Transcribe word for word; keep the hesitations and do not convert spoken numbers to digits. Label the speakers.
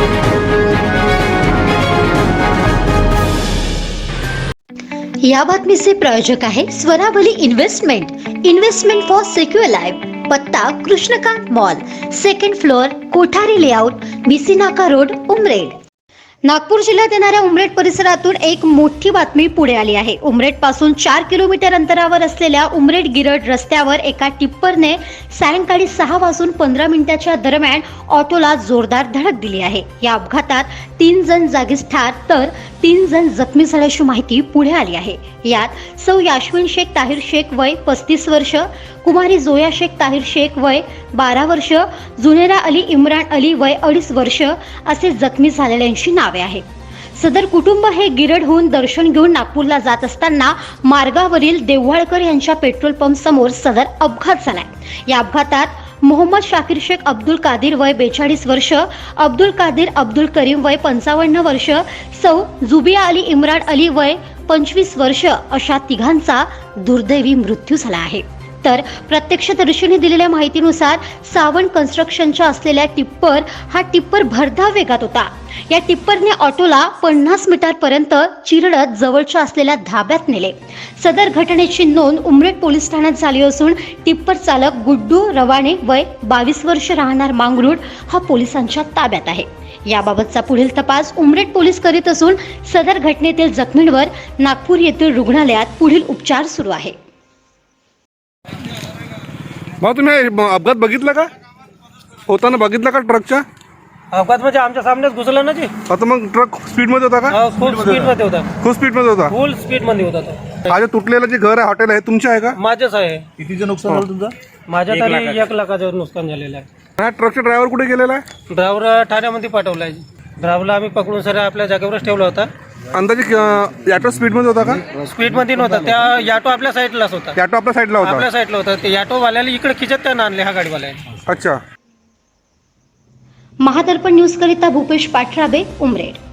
Speaker 1: या बातमीचे प्रायोजक आहे Swaravali investment. Investment for secure life. पत्ता Krishnakant mall, second floor, Kothari layout, BC नाका रोड, उमरेड. नागपूर जिल्ह्यात येणाऱ्या उमरेड परिसरातून एक मोठी बातमी पुढे आली आहे. उमरेड पासून चार किलोमीटर अंतरावर असलेल्या उमरेड गिरड रस्त्यावर एका टिप्परने सायंकाळी सहा वाजून पंधरा मिनिटाच्या दरम्यान ऑटोला जोरदार धडक दिली आहे. या अपघातात तीन जण जागीच ठार तर तीन जण जखमी झाल्याची माहिती पुढे आली आहे. यात सौ याश्विन शेख ताहिर शेख वय पस्तीस वर्ष, कुमारी जोया शेख ताहिर शेख वय बारा वर्ष, जुनेरा अली इम्रान अली वय अडीच वर्ष असे जखमी झालेल्यांची नावे आहेत. सदर कुटुंब हे गिरडहून दर्शन घेऊन नागपूरला जात असताना मार्गावरील देव्हाळकर यांच्या पेट्रोल पंप समोर सदर अपघात झालाय. या अपघातात मोहम्मद शाकीर शेख अब्दुल कादिर वय बेचाळीस वर्ष, अब्दुल कादिर अब्दुल करीम वय पंचावन्न वर्ष, सौ जुबिया अली इम्रान अली वय पंचवीस वर्ष अशा तिघांचा दुर्दैवी मृत्यू झाला आहे. तर प्रत्यक्षदर्शींनी दिलेल्या माहितीनुसार सावंत कन्स्ट्रक्शनच्या असलेल्या टिप्पर हा टिप्पर भरधाव वेगात होता. या टिप्परने ऑटोला पन्नास मीटरपर्यंत चिरडत जवळच्या असलेल्या धाब्यात नेले. सदर घटनेची नोंद उमरेड पोलीस ठाण्यात झाली असून टिप्पर चालक गुड्डू रवाणे वय बावीस वर्ष राहणार मांगरूळ हा पोलिसांच्या ताब्यात आहे. याबाबतचा पुढील तपास उमरेड पोलीस करीत असून सदर घटनेतील जखमींवर नागपूर येथील रुग्णालयात पुढील उपचार सुरू आहे.
Speaker 2: भाऊ तुम्ही अपघात बघितला का? होताना बघितला का ट्रकच्या?
Speaker 3: अपघात म्हणजे आमच्या सामनेच घुसला ना जी.
Speaker 2: आता मग ट्रक स्पीड मध्ये होता का?
Speaker 3: फुल स्पीड मध्ये होता.
Speaker 2: खूप स्पीड मध्ये होता.
Speaker 3: फुल स्पीड मध्ये होता तो.
Speaker 2: हा जे तुटलेलं जे घर आहे हॉटेल आहे तुमचे आहे का?
Speaker 3: माझंच आहे.
Speaker 4: कितीचं नुकसान झालं तुमचं?
Speaker 3: माझ्या तरी एक लाखाचं नुकसान झालेलं आहे.
Speaker 2: हा ट्रकचा ड्रायव्हर कुठे गेलेला आहे?
Speaker 3: ड्रायव्हर ठाण्यामध्ये पाठवलाय. ड्रायव्हरला आम्ही पकडून सर आपल्या जागेवरच ठेवला होता.
Speaker 2: अंदाजे ऑटो स्पीड मध्ये होता का?
Speaker 3: स्पीड मध्ये नव्हता. त्या ऑटो आपल्या साईडलाच होता.
Speaker 2: ऑटो आपल्या साईडला होता.
Speaker 3: आपल्या साईडला होता. ते ऑटो वाल्याला इकडे खिचत त्यानं आणले हा गाडीवाल्याने.
Speaker 2: अच्छा.
Speaker 1: महादर्पण न्यूज करिता भूपेश पाठराबे, उमरेड.